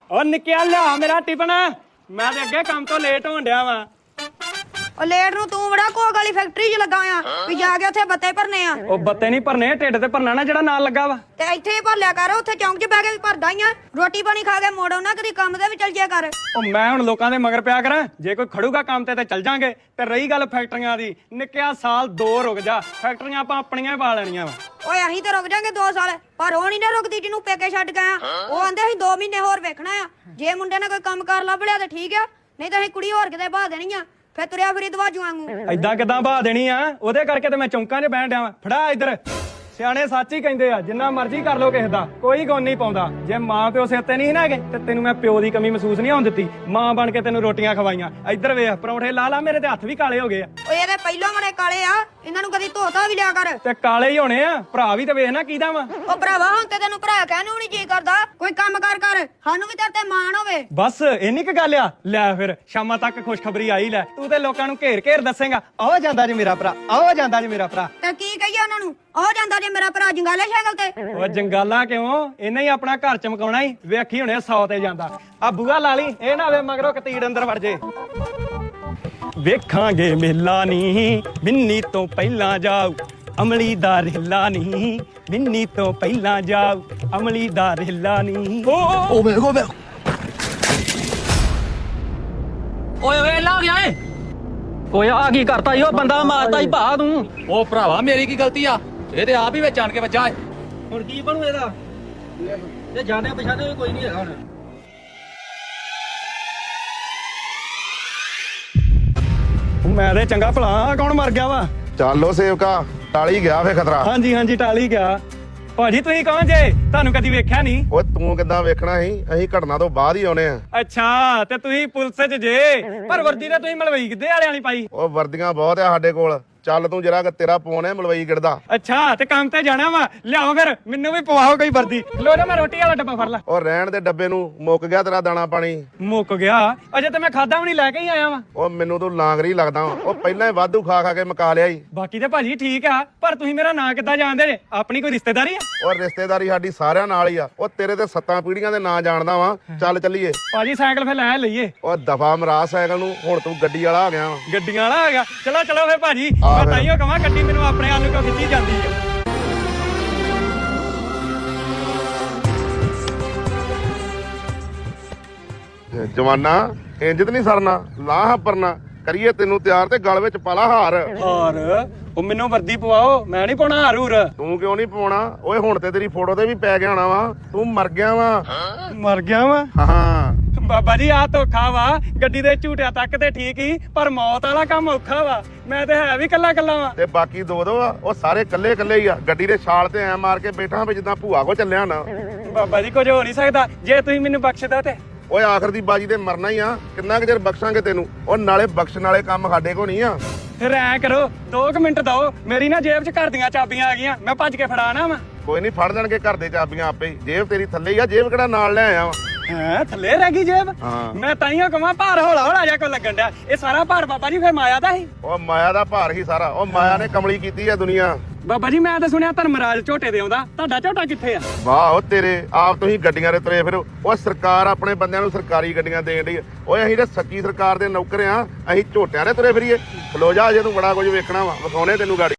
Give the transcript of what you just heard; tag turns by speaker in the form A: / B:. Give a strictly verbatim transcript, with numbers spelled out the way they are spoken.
A: ਓ ਨਿੱਕਿਆ ਲਿਆ ਮੇਰਾ ਟਿਫਨ। ਮੈਂ ਤੇ ਅੱਗੇ ਕੰਮ ਤੋਂ ਲੇਟ ਹੋਣ ਡਿਆ ਵਾਂ।
B: ਉਹ ਲੇਟ ਨੂੰ ਤੂੰ ਬੜਾ ਕੋਕ ਵਾਲੀ ਫੈਕਟਰੀ 'ਚ ਲੱਗਾ ਆ ਵੀ ਜਾ ਕੇ ਉੱਥੇ ਬੱਤੇ ਭਰਨੇ ਆ।
A: ਉਹ ਬੱਤੇ ਨਹੀਂ ਭਰਨੇ, ਢਿੱਡ ਤੇ ਭਰਨਾ ਨਾ ਜਿਹੜਾ ਨਾਲ ਲੱਗਾ ਵਾ।
B: ਤੇ ਇੱਥੇ ਹੀ ਭਰ ਲਿਆ ਕਰ, ਉੱਥੇ ਚੌਂਕ 'ਚ ਬਹਿ ਕੇ ਵੀ ਭਰਦਾ ਹੀ ਆ। ਰੋਟੀ ਪਾਣੀ ਖਾ ਕੇ ਮੋੜੋ ਨਾ, ਕਦੀ ਕੰਮ ਤੇ ਵੀ ਚੱਲ ਜਿਆ ਕਰ।
A: ਉਹ ਮੈਂ ਹੁਣ ਲੋਕਾਂ ਦੇ ਮਗਰ ਪਿਆ ਕਰਾਂ? ਜੇ ਕੋਈ ਖੜੂਗਾ ਕੰਮ ਤੇ ਤੇ ਚੱਲ ਜਾਾਂਗੇ। ਤੇ ਰਹੀ ਗੱਲ ਫੈਕਟਰੀਆਂ ਦੀ, ਨਿੱਕਿਆ ਸਾਲ ਦੋ ਰੁਕ ਜਾ, ਫੈਕਟਰੀਆਂ ਆਪਾਂ ਆਪਣੀਆਂ ਹੀ ਪਾ ਲੈਣੀਆਂ ਵਾ।
B: ਓਏ ਅਸੀਂ ਤੇ ਰੁਕ ਜਾਾਂਗੇ ਦੋ ਸਾਲ, ਪਰ ਉਹ ਨਹੀਂ ਨਾ ਰੁਕਦੀ ਜਿਹਨੂੰ ਪੇਕੇ ਛੱਡ ਗਏ ਆ। ਉਹ ਆਂਦੇ ਅਸੀਂ ਦੋ ਮਹੀਨੇ ਹੋਰ ਵੇਖਣਾ ਆ। ਜੇ ਮੁੰਡੇ ਨੇ ਕੋਈ ਕੰਮ ਕਾਰ ਲੱਭ ਲਿਆ ਤੇ ਠੀਕ ਆ, ਨਹੀਂ ਤਾਂ ਅਸੀਂ ਕੁੜੀ ਹੋਰ ਕਿਤੇ ਬਾਹ ਦੇਣੀ ਆ। ਫੇਰ ਤੁਰਿਆ ਫਿਰੀ ਦਵਾਜੂ ਵਾਂਗੂ।
A: ਏਦਾਂ ਕਿਦਾਂ ਬਹਾ ਦੇਣੀ ਆ? ਉਹਦੇ ਕਰਕੇ ਤੇ ਮੈਂ ਚੌਂਕਾਂ 'ਚ ਬਹਿਣ ਡਿਆ ਵਾਂ। ਫੜਾ ਇੱਧਰ। ਸਿਆਣੇ ਸੱਚ ਹੀ ਕਹਿੰਦੇ ਆ, ਜਿੰਨਾ ਮਰਜ਼ੀ ਕਰ ਲੋ ਕਿਸੇ ਦਾ, ਕੋਈ ਗੁਣ ਨਹੀਂ ਪਾਉਂਦਾ। ਜੇ ਮਾਂ ਪਿਓ ਸਿਰ ਤੇ ਨਹੀਂ ਨਾ ਹੈਗੇ ਤੇ ਤੈਨੂੰ ਮੈਂ ਪਿਓ ਦੀ ਕਮੀ ਮਹਿਸੂਸ ਨਹੀਂ ਹੋਣ ਦਿੱਤੀ। ਮਾਂ ਬਣ ਕੇ ਤੈਨੂੰ ਰੋਟੀਆਂ ਖਵਾਈਆਂ। ਇੱਧਰ ਵੇਖ, ਪਰੌਂਠੇ ਲਾ ਲਾ, ਮੇਰੇ ਤੇ ਹੱਥ ਵੀ ਕਾਲੇ ਹੋ ਗਏ ਆ।
B: ਓਏ ਇਹਦੇ ਪਹਿਲੋਂ ਬੜੇ ਕਾਲੇ ਆ, ਇਹਨਾਂ ਨੂੰ ਕਦੀ ਧੋਤਾ ਵੀ ਲਿਆ ਕਰ।
A: ਤੇ ਕਾਲੇ ਹੀ ਹੋਣੇ ਆ, ਭਰਾ ਵੀ ਤੇ ਵੇਖ ਨਾ ਕਿਹਦਾ ਵਾ।
B: ਉਹ ਭਰਾਵਾ ਹੁਣ ਤੇ ਤੈਨੂੰ ਭਰਾ ਕਹਿਣ ਨੂੰ ਨਹੀਂ ਜੀ ਕਰਦਾ। ਕੋਈ ਕੰਮ ਕਾਰ ਕਰ, ਸਾਨੂੰ ਵੀ ਤੇਰੇ ਤੇ ਮਾਣ ਹੋਵੇ।
A: ਬਸ ਇੰਨੀ ਕੁ ਗੱਲ ਆ। ਲੈ ਫਿਰ ਸ਼ਾਮਾਂ ਤੱਕ ਖੁਸ਼ਖਬਰੀ ਆਈ ਲੈ। ਤੂੰ ਤੇ ਲੋਕਾਂ ਨੂੰ ਘੇਰ ਘੇਰ ਦੱਸੇਗਾ, ਆਹ ਜਾਂਦਾ ਜੀ ਮੇਰਾ ਭਰਾ, ਆਹ ਜਾਂਦਾ ਜੀ ਮੇਰਾ ਭਰਾ।
B: ਤੇ ਕੀ ਕਹੀਏ ਉਹਨਾਂ ਨੂੰ? ਉਹ ਜਾਂਦਾ ਜੇ ਮੇਰਾ ਭਰਾ ਜੰਗਾਲੇ ਸਾਈਕਲ ਤੇ।
A: ਉਹ ਜੰਗਾਲਾ ਕਿਉਂ? ਇਹਨੇ ਹੀ ਆਪਣਾ ਘਰ ਚਮਕਾਉਣਾ ਹੀ। ਵੇਖੀ ਹੁਣੇ ਸੌ ਤੇ ਜਾਂਦਾ। ਆ ਬੂਆ ਲਾ ਲਈ, ਇਹ ਨਾ ਵੇ ਮਗਰੋਂ ਕਤੀੜ ਅੰਦਰ ਵੜ ਜੇ। ਵੇਖਾਂਗੇ ਮੇਲਾ ਨੀ ਮਿੰਨੀ ਤੋਂ ਪਹਿਲਾਂ ਜਾਊ, ਅਮਲੀ ਦਾ ਰੇਲਾ ਨੀ ਮਿੰਨੀ ਤੋਂ ਪਹਿਲਾਂ ਜਾਊ, ਅਮਲੀ ਦਾ ਰੇਲਾ ਨੀ।
C: ਓ ਵੇ ਓ ਵੇ ਓਏ ਓਏ ਲਾ ਗਿਆ ਏ।
A: ਓਏ ਆ ਕੀ ਕਰਤਾ ਈ? ਉਹ ਬੰਦਾ ਮਾਰਤਾ ਈ ਭਾ ਤੂੰ।
C: ਓ ਭਰਾਵਾ ਮੇਰੀ ਕੀ ਗਲਤੀ ਆ? ਇਹ ਤੇ ਆਪ ਹੀ ਵਿੱਚ ਆਣ ਕੇ ਵੱਜਾ ਏ।
D: ਹੁਣ ਕੀ ਬਣੂ ਇਹਦਾ? ਇਹ ਜਾਣੇ ਪਛਾਣੇ ਕੋਈ ਨਹੀਂ ਹੈਗਾ ਹੁਣ।
A: ਮੈਂ ਤੇ ਚੰਗਾ ਭਲਾ, ਕੌਣ ਮਰ ਗਿਆ ਵਾ?
E: ਚੱਲੋ ਸੇਵਕਾ, ਟਾਲੀ ਗਿਆ ਫੇ ਖਤਰਾ।
A: ਹਾਂਜੀ ਹਾਂਜੀ ਟਾਲੀ ਗਿਆ। ਭਾਜੀ ਤੁਸੀਂ ਕੌਣ ਜੇ? ਤੁਹਾਨੂੰ ਕਦੀ ਵੇਖਿਆ ਨਹੀਂ।
E: ਓਏ ਤੂੰ ਕਿੱਦਾਂ ਵੇਖਣਾ ਸੀ? ਅਸੀਂ ਘਟਨਾ ਤੋਂ ਬਾਅਦ ਹੀ ਆਉਣੇ ਆ।
A: ਅੱਛਾ, ਤੇ ਤੁਸੀਂ ਪੁਲਿਸ 'ਚ ਜੇ, ਪਰ ਵਰਦੀ ਤੇ ਤੁਸੀਂ ਮਲਵਈ ਕਿੱਦੇ ਵਾਲਿਆਂ ਵਾਲੀ ਪਾਈ।
E: ਉਹ ਵਰਦੀਆਂ ਬਹੁਤ ਆ ਸਾਡੇ ਕੋਲ। ਚੱਲ ਤੂੰ ਜਰਾ ਤੇਰਾ ਫੋਨ ਹੈ ਮਲਵਈ ਗਿੜਦਾ।
A: ਅੱਛਾ, ਤੇ ਕੰਮ ਤੇ ਜਾਣਾ ਵਾ, ਲਿਆਓ ਫਿਰ ਮੈਨੂੰ ਵੀ ਪਵਾਓ ਕੋਈ ਵਰਦੀ। ਲੋ ਨਾ, ਮੈਂ ਰੋਟੀ ਵਾਲਾ ਡੱਬਾ ਫੜ ਲਾ।
E: ਉਹ ਰਹਿਣ ਦੇ ਡੱਬੇ ਨੂੰ, ਮੁੱਕ ਗਿਆ ਤੇਰਾ ਦਾਣਾ ਪਾਣੀ।
A: ਮੁੱਕ ਗਿਆ? ਅਜੇ ਤੇ ਮੈਂ ਖਾਦਾ ਵੀ ਨਹੀਂ, ਲੈ ਕੇ ਹੀ ਆਇਆ ਵਾ।
E: ਉਹ ਮੈਨੂੰ ਤੂੰ ਲਾਂਗਰੀ ਲੱਗਦਾ ਵਾ। ਉਹ ਪਹਿਲਾਂ ਹੀ ਵਾਧੂ ਖਾ ਖਾ ਕੇ ਮੁਕਾ ਲਿਆ ਈ।
A: ਬਾਕੀ ਤੇ ਭਾਜੀ ਠੀਕ ਆ, ਪਰ ਤੁਸੀਂ ਮੇਰਾ ਨਾਂ ਕਿੱਦਾਂ ਜਾਣਦੇ ਜੇ? ਆਪਣੀ ਕੋਈ ਰਿਸ਼ਤੇਦਾਰੀ ਆ?
E: ਉਹ ਰਿਸ਼ਤੇਦਾਰੀ ਸਾਡੀ ਸਾਰਿਆਂ ਨਾਲ ਹੀ ਆ। ਉਹ ਤੇਰੇ ਤੇ ਸੱਤਾਂ ਪੀੜੀਆਂ ਦੇ ਨਾਂ ਜਾਣਦਾ ਵਾ। ਚੱਲ ਚੱਲੀਏ।
A: ਭਾਜੀ ਸਾਈਕਲ ਫਿਰ ਲੈ ਲਈਏ।
E: ਉਹ ਦਫਾ ਮਰਾ ਸਾਈਕਲ ਨੂੰ, ਹੁਣ ਤੂੰ ਗੱਡੀ ਵਾਲਾ ਆ ਗਿਆ ਵਾ।
A: ਗੱਡੀਆਂ ਵਾਲਾ ਆ ਗਿਆ? ਚਲੋ ਚਲੋ ਫਿਰ ਭਾਜੀ,
E: ਆ
A: ਮੈਂ
E: ਫਿਰ।
A: ਤਾਈਓ ਕਹਾਂ ਗੱਡੀ ਮੈਨੂੰ ਆਪਣੇ ਆਲੂ ਕੋ ਖਿੱਚੀ ਜਾਂਦੀ ਆ।
E: ਜਵਾਨਾ ਇੰਜ ਤੇ ਨਹੀਂ ਸਰਨਾ, ਲਾਹ ਪਰਨਾ ਕਰੀਏ ਤੈਨੂੰ ਤਿਆਰ ਤੇ ਗਲ ਵਿੱਚ ਪਾਲਾ ਹਾਰ।
A: ਔਰ ਉਹ ਮੈਨੂੰ ਵਰਦੀ ਪਵਾਓ, ਮੈਂ ਨਹੀਂ ਪਾਉਣਾ ਹਾਰ ਹੂਰ।
E: ਤੂੰ ਕਿਉਂ ਨਹੀਂ ਪਾਉਣਾ? ਓਏ ਹੁਣ ਤੇ ਤੇਰੀ ਫੋਟੋ ਤੇ ਵੀ ਪੈ ਗਿਆ ਹੋਣਾ ਵਾ। ਤੂੰ ਮਰ ਗਿਆ ਵਾ।
A: ਮਰ ਗਿਆ ਵਾ?
E: ਹਾਂ
A: ਬਾਬਾ ਜੀ ਆ ਧੋਖਾ ਵਾ। ਗੱਡੀ ਦੇ ਝੂਟਿਆਂ ਤੱਕ ਤੇ ਠੀਕ ਹੀ, ਪਰ ਮੌਤ ਵਾਲਾ ਕੰਮ ਔਖਾ ਵਾ। ਮੈਂ ਤੇ ਹੈ ਵੀ ਕੱਲਾ ਕੱਲਾ ਵਾ।
E: ਤੇ ਬਾਕੀ ਦੋ ਦੋ ਆ, ਉਹ ਸਾਰੇ ਕੱਲੇ ਕੱਲੇ ਹੀ ਆ। ਗੱਡੀ ਦੇ ਛਾਲ ਤੇ ਐ ਮਾਰ ਕੇ ਬੈਠਾ ਵੀ ਜਿੱਦਾਂ ਭੂਆ ਕੋ ਚੱਲਿਆ ਨਾ।
A: ਬਾਬਾ ਜੀ ਕੁਝ ਹੋ ਨਹੀਂ ਸਕਦਾ ਜੇ ਤੁਸੀਂ ਮੈਨੂੰ ਬਖਸ਼ਦਾ ਤੇ।
E: ਓਏ ਆਖਰ ਦੀ ਬਾਜੀ ਤੇ ਮਰਨਾ ਹੀ ਆ। ਕਿੰਨਾ ਕੁ ਚਿਰ ਬਖਸ਼ਾਂਗੇ ਤੈਨੂੰ? ਉਹ ਨਾਲੇ ਬਖਸ਼ਣ ਵਾਲੇ ਕੰਮ ਸਾਡੇ ਕੋ ਨਹੀਂ ਆ।
A: ਫਿਰ ਐ ਕਰੋ, ਦੋ ਕੁ ਮਿੰਟ ਦਓ। ਮੇਰੀ ਨਾ ਜੇਬ 'ਚ ਘਰ ਦੀਆਂ ਚਾਬੀਆਂ ਆ ਗਈਆਂ, ਮੈਂ ਭੱਜ ਕੇ ਫੜਾਣਾ ਵਾ।
E: ਕੋਈ ਨਹੀਂ, ਫੜ ਲੈਣਗੇ ਘਰ ਦੇ ਚਾਬੀਆਂ ਆਪੇ ਹੀ। ਜੇਬ ਤੇਰੀ ਥੱਲੇ ਹੀ ਆ। ਜੇਬ ਕਿਹੜਾ ਨਾਲ ਲੈ ਆਇਆ ਵਾ?
A: ਹੈ ਥੱਲੇ ਰਹਿ ਗਈ ਜੇਬ?
E: ਹਾਂ।
A: ਮੈਂ ਤਾਈਓ ਕਹਾਂ ਭਾਰ ਹੌਲਾ ਹੌਲਾ ਜਾ ਕੋ ਲੱਗਣ ਡਿਆ। ਇਹ ਸਾਰਾ ਭਾਰ ਬਾਬਾ ਜੀ ਫਿਰ ਮਾਇਆ ਦਾ ਸੀ।
E: ਉਹ ਮਾਇਆ ਦਾ ਭਾਰ ਹੀ ਸਾਰਾ। ਉਹ ਮਾਇਆ ਨੇ ਕਮਲੀ ਕੀਤੀ ਆ ਦੁਨੀਆ।
A: ਬਾਬਾ ਜੀ ਮੈਂ ਤਾਂ ਸੁਣਿਆ ਧਰਮਰਾਜ ਝੋਟੇ ਦੇ ਆਉਂਦਾ, ਤੁਹਾਡਾ ਝੋਟਾ ਕਿੱਥੇ ਆ?
E: ਵਾਹ ਉਹ ਤੇਰੇ ਆਪ ਤੁਸੀਂ ਗੱਡੀਆਂ ਦੇ ਤੁਰੇ ਫਿਰੋ। ਉਹ ਸਰਕਾਰ ਆਪਣੇ ਬੰਦਿਆਂ ਨੂੰ ਸਰਕਾਰੀ ਗੱਡੀਆਂ ਦੇਣ ਡਈ। ਓਏ ਅਸੀਂ ਤਾਂ ਸੱਚੀ ਸਰਕਾਰ ਦੇ ਨੌਕਰ ਆ। ਅਸੀਂ ਝੋਟਿਆਂ ਦੇ ਤੁਰੇ ਫਿਰੀਏ? ਖਲੋ ਜਾ, ਜੇ ਤੂੰ ਬੜਾ ਕੁਝ ਵੇਖਣਾ ਵਾ, ਵਿਖਾਉਣੇ ਤੈਨੂੰ ਗਾੜੀ।